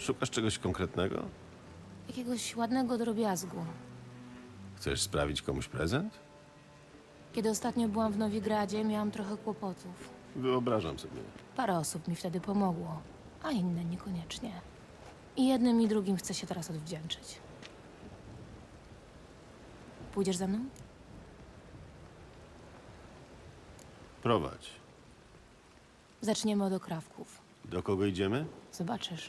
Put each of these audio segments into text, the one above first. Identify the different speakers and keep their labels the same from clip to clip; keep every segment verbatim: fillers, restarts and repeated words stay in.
Speaker 1: Szukasz czegoś konkretnego?
Speaker 2: Jakiegoś ładnego drobiazgu.
Speaker 1: Chcesz sprawić komuś prezent?
Speaker 2: Kiedy ostatnio byłam w Nowigradzie, miałam trochę kłopotów.
Speaker 1: Wyobrażam sobie.
Speaker 2: Parę osób mi wtedy pomogło, a inne niekoniecznie. I jednym i drugim chcę się teraz odwdzięczyć. Pójdziesz ze mną?
Speaker 1: Prowadź.
Speaker 2: Zaczniemy od okrawków.
Speaker 1: Do kogo idziemy?
Speaker 2: Zobaczysz.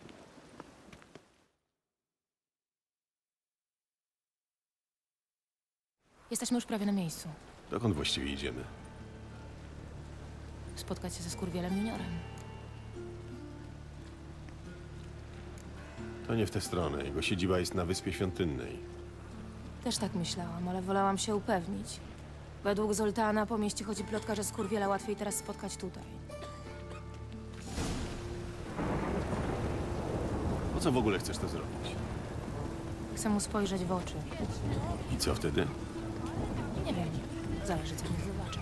Speaker 2: Jesteśmy już prawie na miejscu.
Speaker 1: Dokąd właściwie idziemy?
Speaker 2: Spotkać się ze Skurwielem Juniorem.
Speaker 1: To nie w tę stronę. Jego siedziba jest na Wyspie Świątynnej.
Speaker 2: Też tak myślałam, ale wolałam się upewnić. Według Zoltana po mieście chodzi plotka, że Skurwiela łatwiej teraz spotkać tutaj.
Speaker 1: Po co w ogóle chcesz to zrobić?
Speaker 2: Chcę mu spojrzeć w oczy.
Speaker 1: I co wtedy?
Speaker 2: Nie wiem, zależy co mi zobaczy.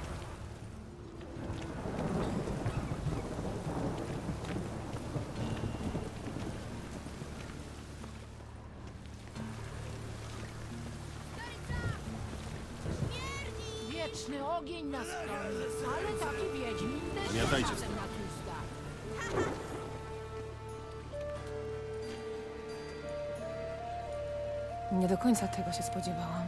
Speaker 3: Wieczny ogień nas chroni, ale taki wiedźmin też
Speaker 1: Zmiatajcie
Speaker 3: czasem
Speaker 1: stąd.
Speaker 3: na tłusta.
Speaker 2: Nie do końca tego się spodziewałam.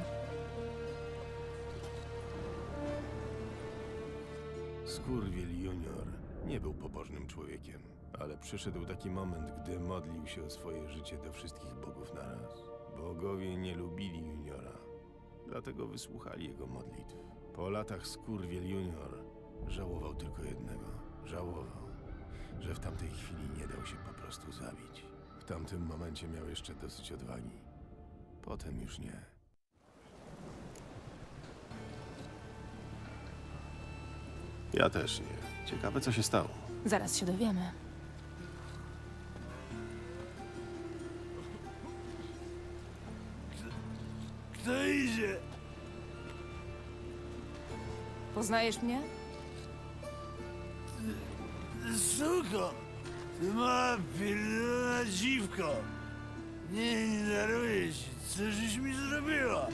Speaker 1: Skurwiel Junior nie był pobożnym człowiekiem, ale przyszedł taki moment, gdy modlił się o swoje życie do wszystkich bogów naraz. Bogowie nie lubili Juniora, dlatego wysłuchali jego modlitw. Po latach Skurwiel Junior żałował tylko jednego. Żałował, że w tamtej chwili nie dał się po prostu zabić. W tamtym momencie miał jeszcze dosyć odwagi. Potem już nie. Ja też nie. Ciekawe, co się stało.
Speaker 2: Zaraz się dowiemy.
Speaker 4: Kto idzie?
Speaker 2: Poznajesz mnie?
Speaker 4: Suko! Ty mała pierdolona dziwko! Nie, nie daruję ci. Co żeś mi zrobiła?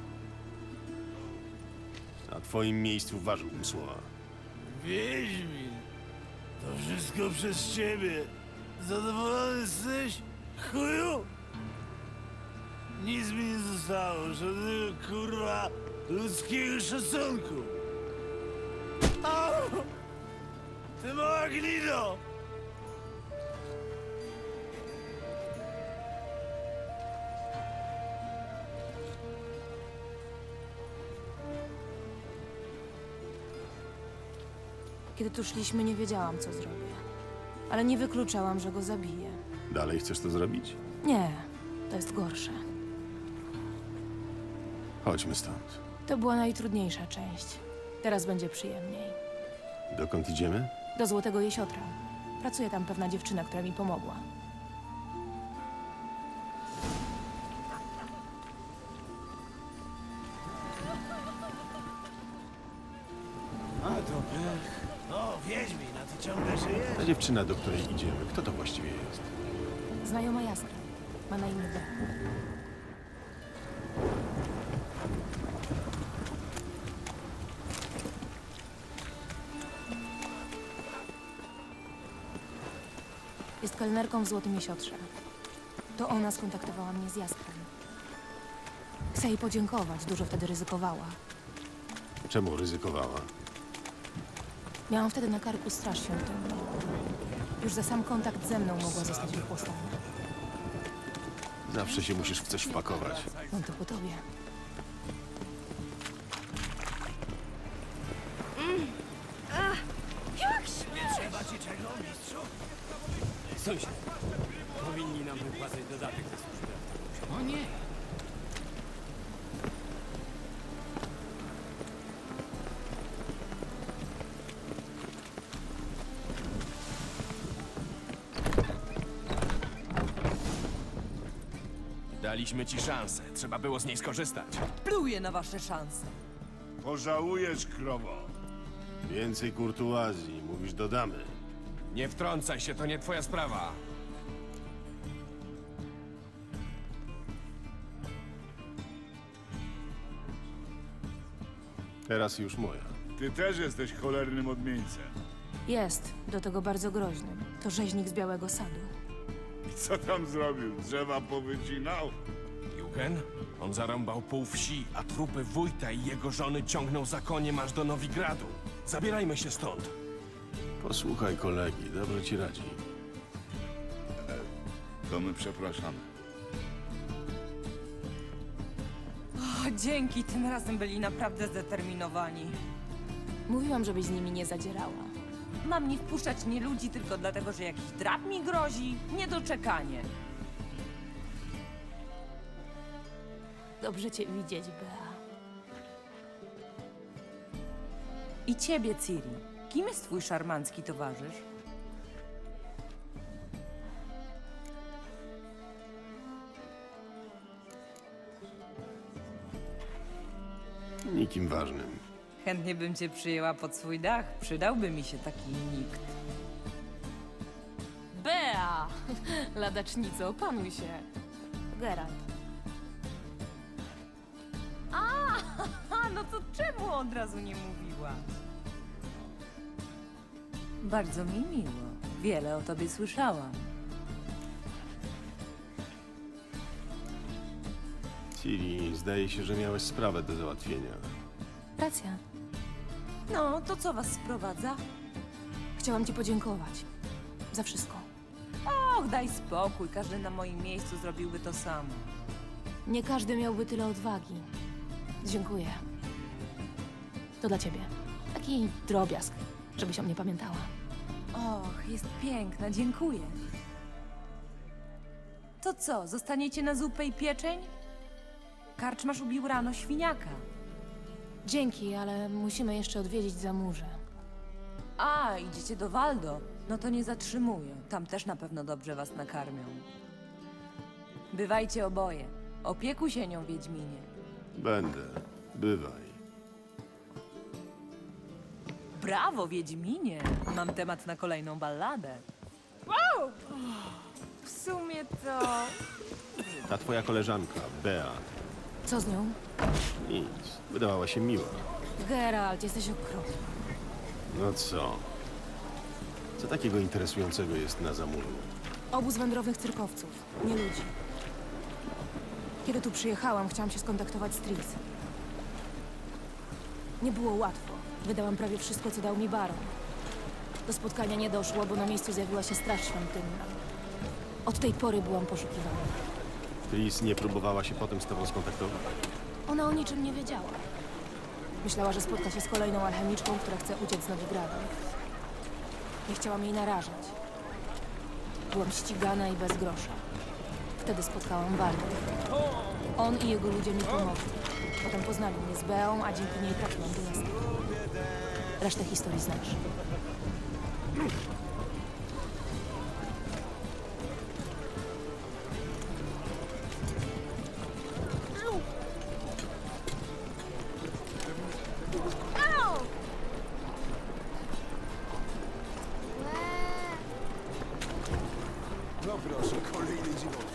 Speaker 1: Na twoim miejscu ważyłbym słowa.
Speaker 4: Wiedźmin! To wszystko przez ciebie. Zadowolony jesteś? Chuju? Nic mi nie zostało. Żadnego kurwa ludzkiego szacunku. Au! Ty mała gnido!
Speaker 2: Kiedy tu szliśmy, nie wiedziałam, co zrobię. Ale nie wykluczałam, że go zabiję.
Speaker 1: Dalej chcesz to zrobić?
Speaker 2: Nie, to jest gorsze.
Speaker 1: Chodźmy stąd.
Speaker 2: To była najtrudniejsza część. Teraz będzie przyjemniej.
Speaker 1: Dokąd idziemy?
Speaker 2: Do Złotego Jesiotra. Pracuje tam pewna dziewczyna, która mi pomogła.
Speaker 4: A to pech. No, Wiedźmin, a ty ciągle żyjesz?
Speaker 1: Ta dziewczyna, do której idziemy, kto to właściwie jest?
Speaker 2: Znajoma Jaskra. Ma na imię B. Jest kelnerką w Złotym Jesiotrze. To ona skontaktowała mnie z Jaskrem. Chcę jej podziękować, dużo wtedy ryzykowała.
Speaker 1: Czemu ryzykowała?
Speaker 2: Miałam wtedy na karku straż świątynną. Już za sam kontakt ze mną mogła zostać wychłostana.
Speaker 1: Zawsze się musisz w coś wpakować.
Speaker 2: Mam to po tobie.
Speaker 4: Trzeba ci czego, mistrzu?
Speaker 5: Sąsiad, powinni nam wypłacać dodatek za służbę.
Speaker 3: O nie,
Speaker 5: Daliśmy ci szansę, trzeba było z niej skorzystać.
Speaker 6: Pluję na wasze szanse.
Speaker 4: Pożałujesz, krowo.
Speaker 1: Więcej kurtuazji, mówisz, dodamy.
Speaker 5: Nie wtrącaj się, to nie twoja sprawa.
Speaker 1: Teraz już moja.
Speaker 7: Ty też jesteś cholernym odmieńcem.
Speaker 2: Jest, do tego bardzo groźnym. To rzeźnik z Białego Sadu.
Speaker 7: I co tam zrobił? Drzewa powycinał?
Speaker 5: Jugen? On zarąbał pół wsi, a trupy wójta i jego żony ciągnął za koniem aż do Nowigradu. Zabierajmy się stąd.
Speaker 1: Posłuchaj kolegi, dobrze ci radzi.
Speaker 7: To my przepraszamy.
Speaker 6: O, dzięki, tym razem byli naprawdę zdeterminowani.
Speaker 2: Mówiłam, żebyś z nimi nie zadzierała.
Speaker 6: Mam nie wpuszczać nie ludzi tylko dlatego, że jakiś drab mi grozi? Niedoczekanie.
Speaker 2: Dobrze cię widzieć, Bea.
Speaker 6: I ciebie, Ciri. Kim jest twój szarmancki towarzysz?
Speaker 1: Nikim ważnym.
Speaker 6: Chętnie bym cię przyjęła pod swój dach. Przydałby mi się taki nikt.
Speaker 2: Bea! Ladacznico, opanuj się. Geralt.
Speaker 6: A, no to czemu od razu nie mówiła? Bardzo mi miło. Wiele o tobie słyszałam.
Speaker 1: Ciri, zdaje się, że miałeś sprawę do załatwienia.
Speaker 2: Racja.
Speaker 6: No, to co was sprowadza?
Speaker 2: Chciałam ci podziękować. Za wszystko.
Speaker 6: Och, daj spokój. Każdy na moim miejscu zrobiłby to samo.
Speaker 2: Nie każdy miałby tyle odwagi. Dziękuję. To dla ciebie. Taki drobiazg, żebyś o mnie pamiętała.
Speaker 6: Och, jest piękna, dziękuję. To co, zostaniecie na zupę i pieczeń? Karczmasz ubił rano świniaka.
Speaker 2: Dzięki, ale musimy jeszcze odwiedzić Zamurze.
Speaker 6: A, idziecie do Waldo. No to nie zatrzymuję. Tam też na pewno dobrze was nakarmią. Bywajcie oboje. Opiekuj się nią, Wiedźminie.
Speaker 1: Będę. Bywaj.
Speaker 6: Brawo, Wiedźminie! Mam temat na kolejną balladę. Wow! W sumie to...
Speaker 1: Ta twoja koleżanka, Bea,
Speaker 2: Co z nią?
Speaker 1: nic. Wydawała się miła.
Speaker 2: Geralt, jesteś okropny.
Speaker 1: No co? Co takiego interesującego jest na Zamurzu?
Speaker 2: Obóz wędrownych cyrkowców, nie ludzi. Kiedy tu przyjechałam, chciałam się skontaktować z Tris. Nie było łatwo. Wydałam prawie wszystko, co dał mi baron. Do spotkania nie doszło, bo na miejscu zjawiła się straż świątynna. Od tej pory byłam poszukiwana.
Speaker 1: Tris nie próbowała się potem z tobą skontaktować?
Speaker 2: Ona o niczym nie wiedziała. Myślała, że spotka się z kolejną alchemiczką, która chce uciec z Nowigradu. Nie chciałam jej narażać. Byłam ścigana i bez grosza. Wtedy spotkałam Waldę. On i jego ludzie mi pomogli. Potem poznali mnie z Beą, a dzięki niej trafiłam do miasta. Resztę historii znasz.
Speaker 4: No proszę, kolejny dziwot.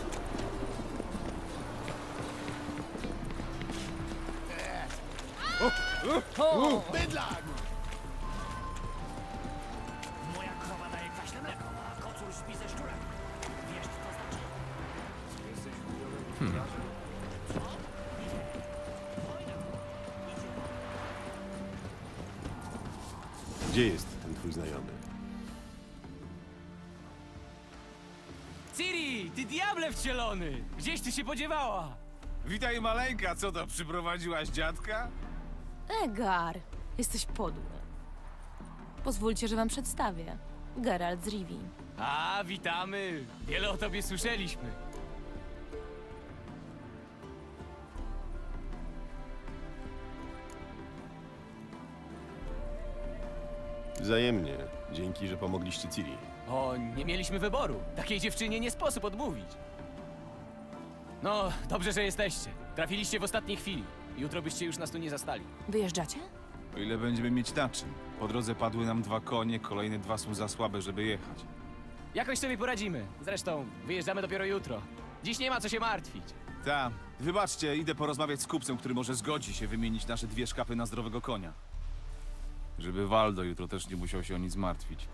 Speaker 4: Bydlak!
Speaker 8: Moja krowa daje kwaśne mleko, a kocur śpi ze szczurem. Wiesz, co to znaczy?
Speaker 1: Gdzie jest ten twój znajomy?
Speaker 5: Ciri, ty diable wcielony! Gdzieś ty się podziewała?
Speaker 9: Witaj maleńka, co to, przyprowadziłaś dziadka?
Speaker 2: Egar, jesteś podły. Pozwólcie, że wam przedstawię. Geralt z Rivii.
Speaker 5: A, witamy! Wiele o tobie słyszeliśmy.
Speaker 1: Wzajemnie. Dzięki, że pomogliście Ciri.
Speaker 5: O, nie mieliśmy wyboru. Takiej dziewczynie nie sposób odmówić. No, dobrze, że jesteście. Trafiliście w ostatniej chwili. Jutro byście już nas tu nie zastali.
Speaker 2: Wyjeżdżacie?
Speaker 9: O ile będziemy mieć na czym. Po drodze padły nam dwa konie, kolejne dwa są za słabe, żeby jechać.
Speaker 5: Jakoś sobie poradzimy. Zresztą, wyjeżdżamy dopiero jutro. Dziś nie ma co się martwić.
Speaker 9: Ta, wybaczcie, idę porozmawiać z kupcem, który może zgodzi się wymienić nasze dwie szkapy na zdrowego konia. Żeby Waldo jutro też nie musiał się o nic martwić.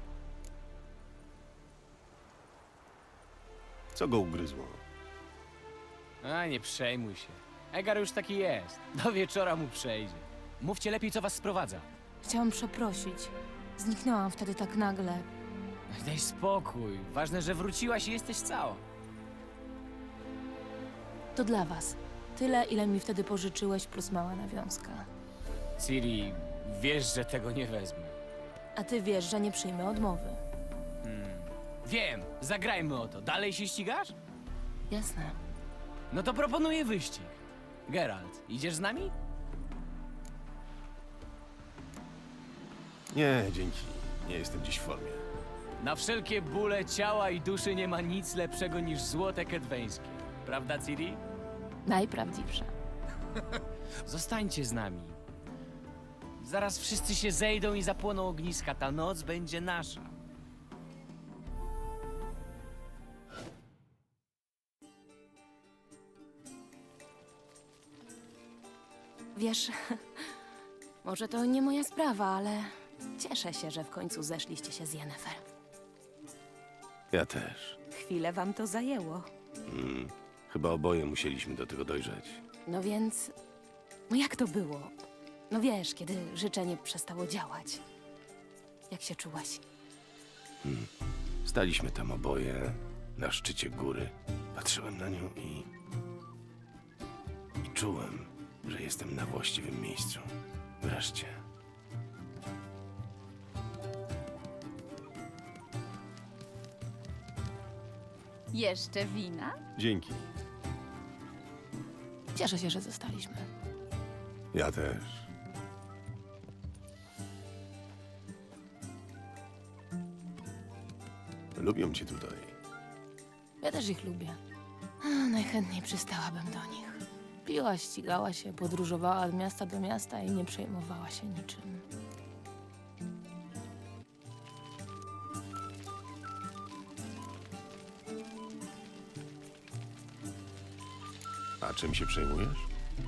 Speaker 1: Co go ugryzło?
Speaker 5: A, nie przejmuj się. Egar już taki jest. Do wieczora mu przejdzie. Mówcie lepiej, co was sprowadza.
Speaker 2: Chciałam przeprosić. Zniknęłam wtedy tak nagle.
Speaker 5: Daj spokój. Ważne, że wróciłaś i jesteś cała.
Speaker 2: To dla was. Tyle, ile mi wtedy pożyczyłeś, plus mała nawiązka.
Speaker 5: Ciri, wiesz, że tego nie wezmę.
Speaker 2: A ty wiesz, że nie przyjmę odmowy.
Speaker 5: Wiem, zagrajmy o to. Dalej się ścigasz?
Speaker 2: Jasne.
Speaker 5: No to proponuję wyścig. Geralt, idziesz z nami?
Speaker 1: Nie, dzięki. Nie jestem dziś w formie.
Speaker 5: Na wszelkie bóle ciała i duszy nie ma nic lepszego niż złote kedweńskie. Prawda, Ciri?
Speaker 2: Najprawdziwsze.
Speaker 5: Zostańcie z nami. Zaraz wszyscy się zejdą i zapłoną ogniska. Ta noc będzie nasza.
Speaker 2: Wiesz, może to nie moja sprawa, ale cieszę się, że w końcu zeszliście się z Yennefer.
Speaker 1: Ja też.
Speaker 6: Chwilę wam to zajęło.
Speaker 1: Chyba oboje musieliśmy do tego dojrzeć.
Speaker 2: No więc, no jak to było? No wiesz, kiedy życzenie przestało działać. Jak się czułaś?
Speaker 1: Staliśmy tam oboje, na szczycie góry. Patrzyłem na nią i... I czułem, że jestem na właściwym miejscu. Wreszcie.
Speaker 3: Jeszcze wina?
Speaker 1: Dzięki.
Speaker 2: Cieszę się, że zostaliśmy.
Speaker 1: Ja też. Lubią cię tutaj.
Speaker 2: Ja też ich lubię. A, najchętniej przystałabym do nich. Piła, ścigała się, podróżowała od miasta do miasta i nie przejmowała się niczym.
Speaker 1: A czym się przejmujesz?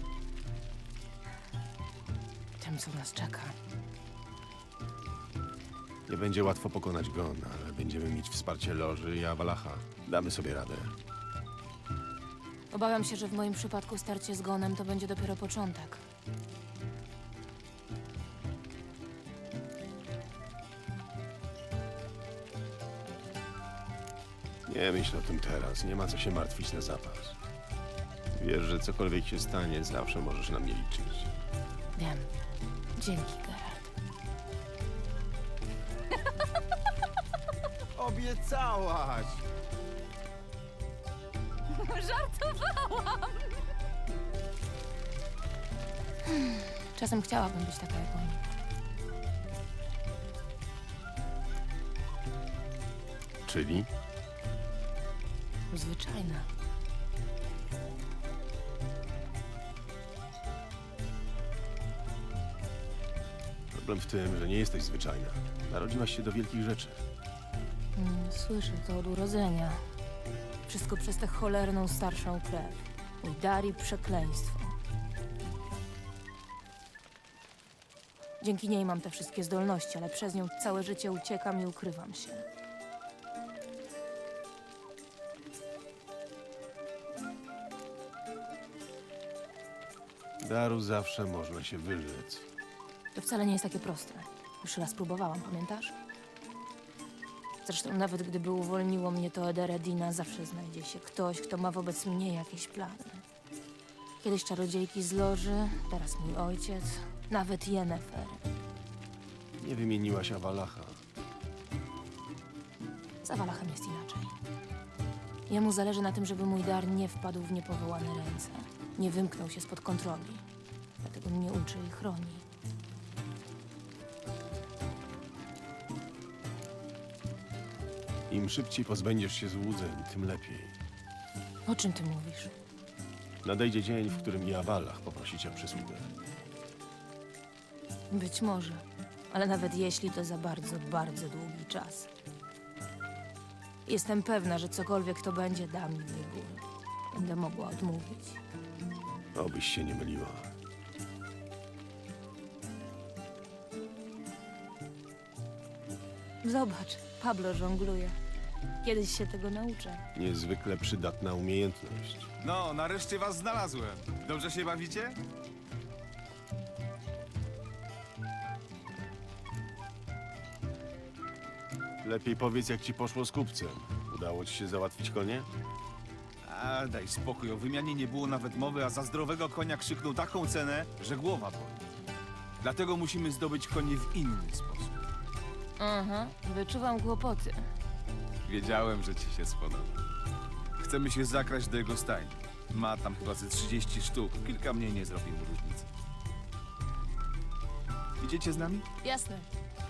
Speaker 2: Tym, co nas czeka.
Speaker 1: Nie będzie łatwo pokonać Gon, ale będziemy mieć wsparcie Loży i Awalacha. Damy sobie radę.
Speaker 2: Obawiam się, że w moim przypadku starcie z Gonem to będzie dopiero początek.
Speaker 1: Nie myśl o tym teraz. Nie ma co się martwić na zapas. Wiesz, że cokolwiek się stanie, zawsze możesz na mnie liczyć.
Speaker 2: Wiem. Dzięki, Geralt.
Speaker 9: Obiecałaś!
Speaker 3: Żartowałam!
Speaker 2: Czasem chciałabym być taka jak oni.
Speaker 1: Czyli?
Speaker 2: Zwyczajna.
Speaker 1: Problem w tym, że nie jesteś zwyczajna. Narodziłaś się do wielkich rzeczy.
Speaker 2: Mm, Słyszę to od urodzenia. Wszystko przez tę cholerną starszą krew. Mój dar i przekleństwo. Dzięki niej mam te wszystkie zdolności, ale przez nią całe życie uciekam i ukrywam się.
Speaker 1: Daru zawsze można się wyrzec.
Speaker 2: To wcale nie jest takie proste. Już raz próbowałam, pamiętasz? Zresztą nawet gdyby uwolniło mnie to Ederedina, zawsze znajdzie się ktoś, kto ma wobec mnie jakieś plany. Kiedyś czarodziejki z Loży, teraz mój ojciec, nawet Yennefer.
Speaker 1: Nie wymieniłaś Awalacha.
Speaker 2: Z Awalachem jest inaczej. Jemu zależy na tym, żeby mój dar nie wpadł w niepowołane ręce. Nie wymknął się spod kontroli. Dlatego mnie uczy i chroni.
Speaker 1: Im szybciej pozbędziesz się złudzeń, tym lepiej.
Speaker 2: O czym ty mówisz?
Speaker 1: Nadejdzie dzień, w którym i Awalach poprosi cię o przysługę.
Speaker 2: Być może. Ale nawet jeśli, to za bardzo, bardzo długi czas. Jestem pewna, że cokolwiek to będzie, da mi wybór. będę mogła odmówić.
Speaker 1: Obyś się nie myliła.
Speaker 2: Zobacz, Pablo żongluje. Kiedyś się tego nauczę.
Speaker 1: Niezwykle przydatna umiejętność.
Speaker 9: No, nareszcie was znalazłem. Dobrze się bawicie?
Speaker 1: Lepiej powiedz, jak ci poszło z kupcem. Udało ci się załatwić konie?
Speaker 9: A daj spokój, o wymianie nie było nawet mowy, a za zdrowego konia krzyknął taką cenę, że głowa boli. Dlatego musimy zdobyć konie w inny sposób.
Speaker 2: Aha, wyczuwam kłopoty.
Speaker 9: Wiedziałem, że ci się spodoba. Chcemy się zakraść do jego stajni. Ma tam chyba ze trzydzieści sztuk. Kilka mniej nie zrobi mu różnicy. Idziecie z nami?
Speaker 2: Jasne.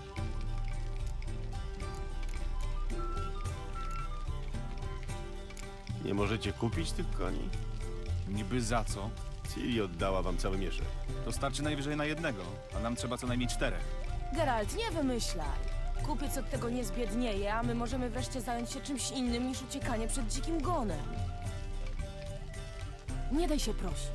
Speaker 1: Nie możecie kupić tych koni?
Speaker 9: Niby za co?
Speaker 1: Ciri oddała wam cały mieszek.
Speaker 9: To starczy najwyżej na jednego, a nam trzeba co najmniej czterech.
Speaker 2: Geralt, nie wymyślaj. Kupiec od tego nie zbiednieje, a my możemy wreszcie zająć się czymś innym niż uciekanie przed dzikim gonem. Nie daj się prosić.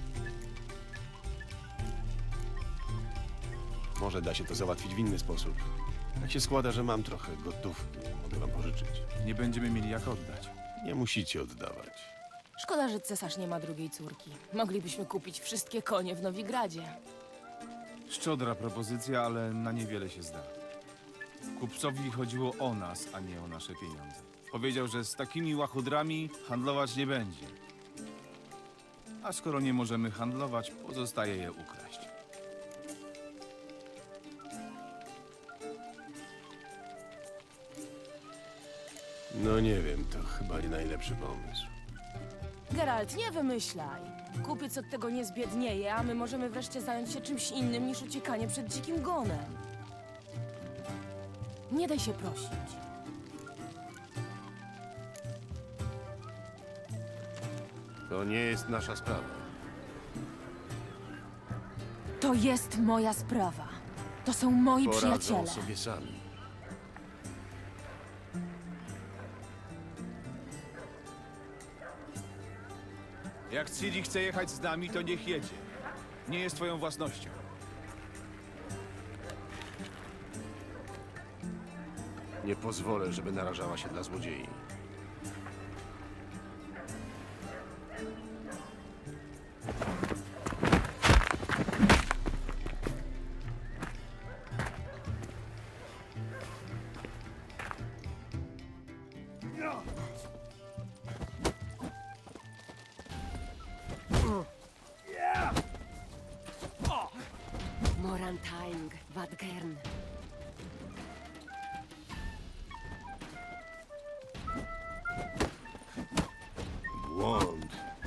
Speaker 1: Może da się to załatwić w inny sposób. Tak się składa, że mam trochę gotówki. Mogę wam pożyczyć.
Speaker 9: Nie będziemy mieli jak oddać.
Speaker 1: Nie musicie oddawać.
Speaker 2: Szkoda, że cesarz nie ma drugiej córki. Moglibyśmy kupić wszystkie konie w Nowigradzie.
Speaker 9: Szczodra propozycja, ale na niewiele się zda. Kupcowi chodziło o nas, a nie o nasze pieniądze. Powiedział, że z takimi łachudrami handlować nie będzie. A skoro nie możemy handlować, pozostaje je ukraść.
Speaker 1: No nie wiem, to chyba nie najlepszy pomysł.
Speaker 2: Geralt, nie wymyślaj. Kupiec od tego nie zbiednieje, a my możemy wreszcie zająć się czymś innym niż uciekanie przed dzikim gonem. Nie daj się prosić.
Speaker 1: To nie jest nasza sprawa.
Speaker 2: To jest moja sprawa. To są moi
Speaker 1: Poradzą
Speaker 2: przyjaciele.
Speaker 1: sobie sami.
Speaker 9: Jak Ciri chce jechać z nami, to niech jedzie. Nie jest twoją własnością.
Speaker 1: Nie pozwolę, żeby narażała się dla złodziei.
Speaker 3: Morantaing, Wadgern.
Speaker 1: Błąd.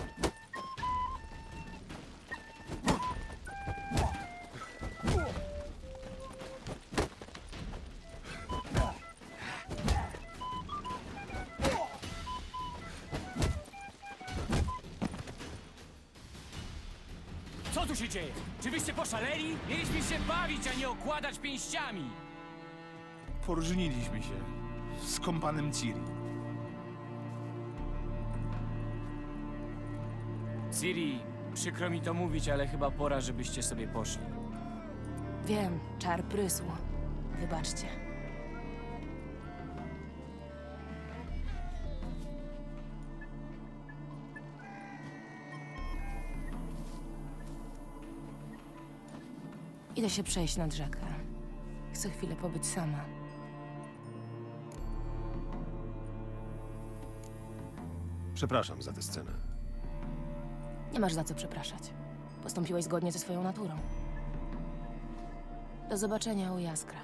Speaker 5: Co tu się dzieje? Czy wyście poszaleli? Mieliśmy się bawić, a nie okładać pięściami!
Speaker 9: Poróżniliśmy się z kompanem Ciri.
Speaker 5: Ciri, przykro mi to mówić, ale chyba pora, żebyście sobie poszli.
Speaker 2: Wiem, czar prysł. Wybaczcie. Idę się przejść nad rzekę. Chcę chwilę pobyć sama.
Speaker 1: Przepraszam za tę scenę.
Speaker 2: Nie masz za co przepraszać. Postąpiłeś zgodnie ze swoją naturą. Do zobaczenia u Jaskra.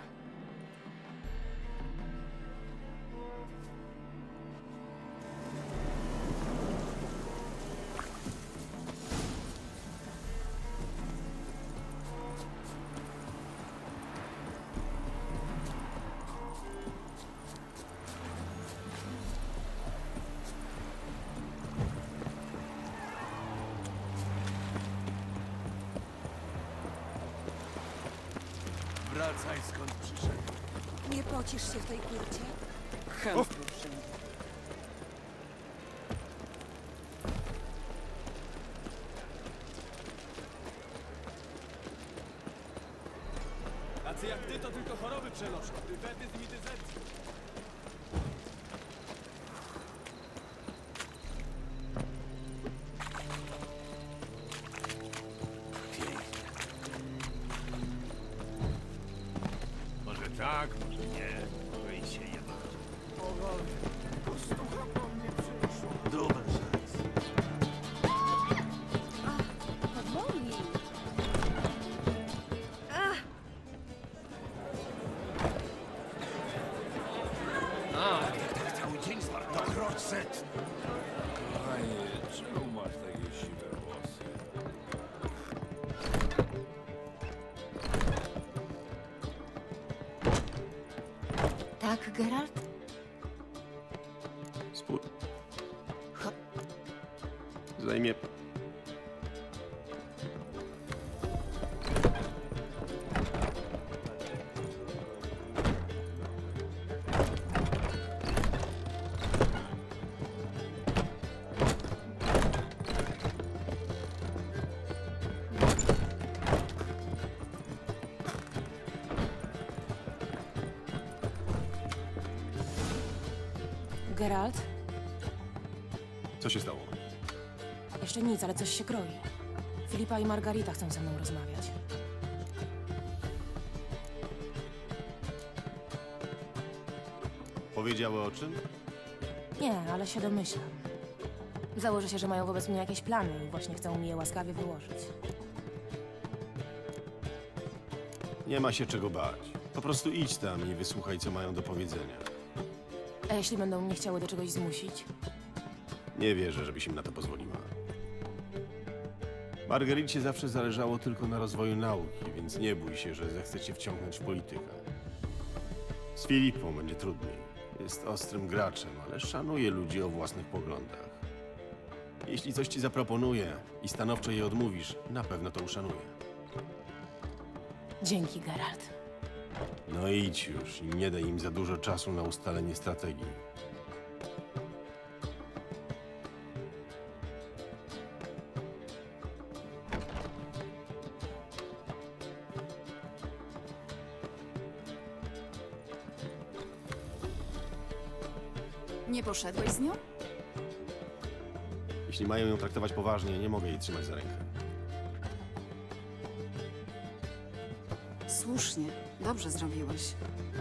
Speaker 4: Wracaj skąd przyszedł.
Speaker 3: Nie pocisz się w tej kurcie?
Speaker 4: Chętnie wszędzie. choroby przenoszą. Dywetyzm i dyzepcję.
Speaker 7: Może tak, może nie. Może i się jebać.
Speaker 4: Postucha po mnie przyszło.
Speaker 7: Dobry szans.
Speaker 3: Powoli.
Speaker 7: A, jak tak cały dzień zmarł. Krocz set.
Speaker 4: Panie, czemu masz takie siwe włosy?
Speaker 3: Tak, Geralt?
Speaker 1: Spór. Zajmie.
Speaker 2: Geralt?
Speaker 1: Co się stało?
Speaker 2: Jeszcze nic, ale coś się kroi. Filipa i Margarita chcą ze mną rozmawiać.
Speaker 1: Powiedziały o czym?
Speaker 2: Nie, ale się domyślam. Założę się, że mają wobec mnie jakieś plany i właśnie chcą mi je łaskawie wyłożyć.
Speaker 1: Nie ma się czego bać. Po prostu idź tam i wysłuchaj, co mają do powiedzenia.
Speaker 2: A jeśli będą mnie chciały do czegoś zmusić?
Speaker 1: Nie wierzę, żebyś im na to pozwoliła. Margaricie zawsze zależało tylko na rozwoju nauki, więc nie bój się, że zechce cię wciągnąć w politykę. Z Filipą będzie trudniej. Jest ostrym graczem, ale szanuje ludzi o własnych poglądach. Jeśli coś ci zaproponuje i stanowczo je odmówisz, na pewno to uszanuje.
Speaker 2: Dzięki, Geralt.
Speaker 1: No idź już i nie daj im za dużo czasu na ustalenie strategii.
Speaker 3: Nie poszedłeś z nią?
Speaker 1: Jeśli mają ją traktować poważnie, nie mogę jej trzymać za rękę.
Speaker 3: Słusznie. Dobrze zrobiłeś.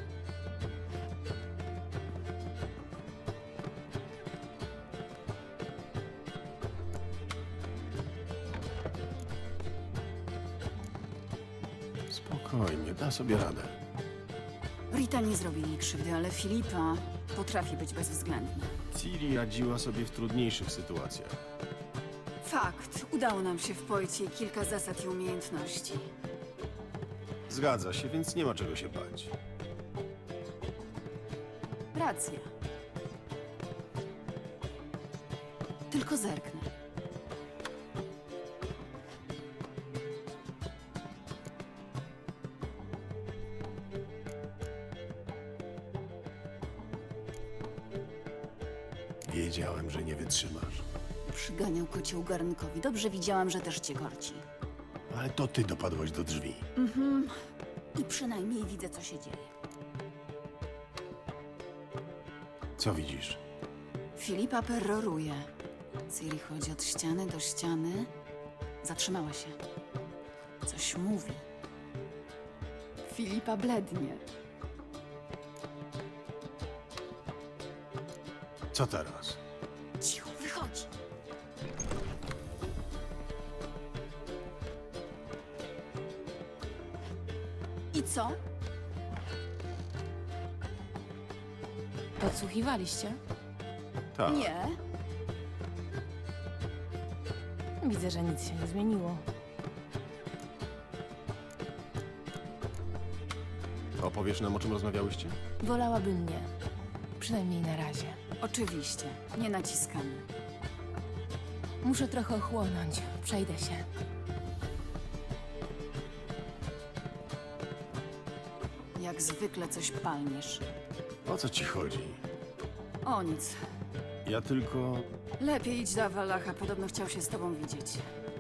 Speaker 1: Spokojnie, da sobie radę.
Speaker 3: Rita nie zrobi jej krzywdy, ale Filipa potrafi być bezwzględna.
Speaker 1: Ciri radziła sobie w trudniejszych sytuacjach.
Speaker 3: Fakt. Udało nam się wpoić jej kilka zasad i umiejętności.
Speaker 1: Zgadza się, więc nie ma czego się bać.
Speaker 3: Racja. Tylko zerknę.
Speaker 1: Wiedziałem, że nie wytrzymasz.
Speaker 3: Przyganiał kocioł garnkowi. Dobrze widziałam, że też cię korci.
Speaker 1: Ale to ty dopadłaś do drzwi.
Speaker 3: I przynajmniej widzę, co się dzieje.
Speaker 1: Co widzisz?
Speaker 3: Filipa peroruje. Ciri chodzi od ściany do ściany. Zatrzymała się. Coś mówi. Filipa blednie.
Speaker 1: Co teraz?
Speaker 3: Cicho, wychodzi. I co?
Speaker 2: Podsłuchiwaliście?
Speaker 1: Tak.
Speaker 3: Nie.
Speaker 2: Widzę, że nic się nie zmieniło.
Speaker 1: Opowiesz nam, o czym rozmawiałyście?
Speaker 2: Wolałabym nie. Przynajmniej na razie.
Speaker 3: Oczywiście. Nie naciskamy.
Speaker 2: Muszę trochę ochłonąć. Przejdę się.
Speaker 3: Jak zwykle coś palniesz.
Speaker 1: O co ci chodzi?
Speaker 3: O nic.
Speaker 1: Ja tylko...
Speaker 3: Lepiej idź do Avalacha. Podobno chciał się z tobą widzieć.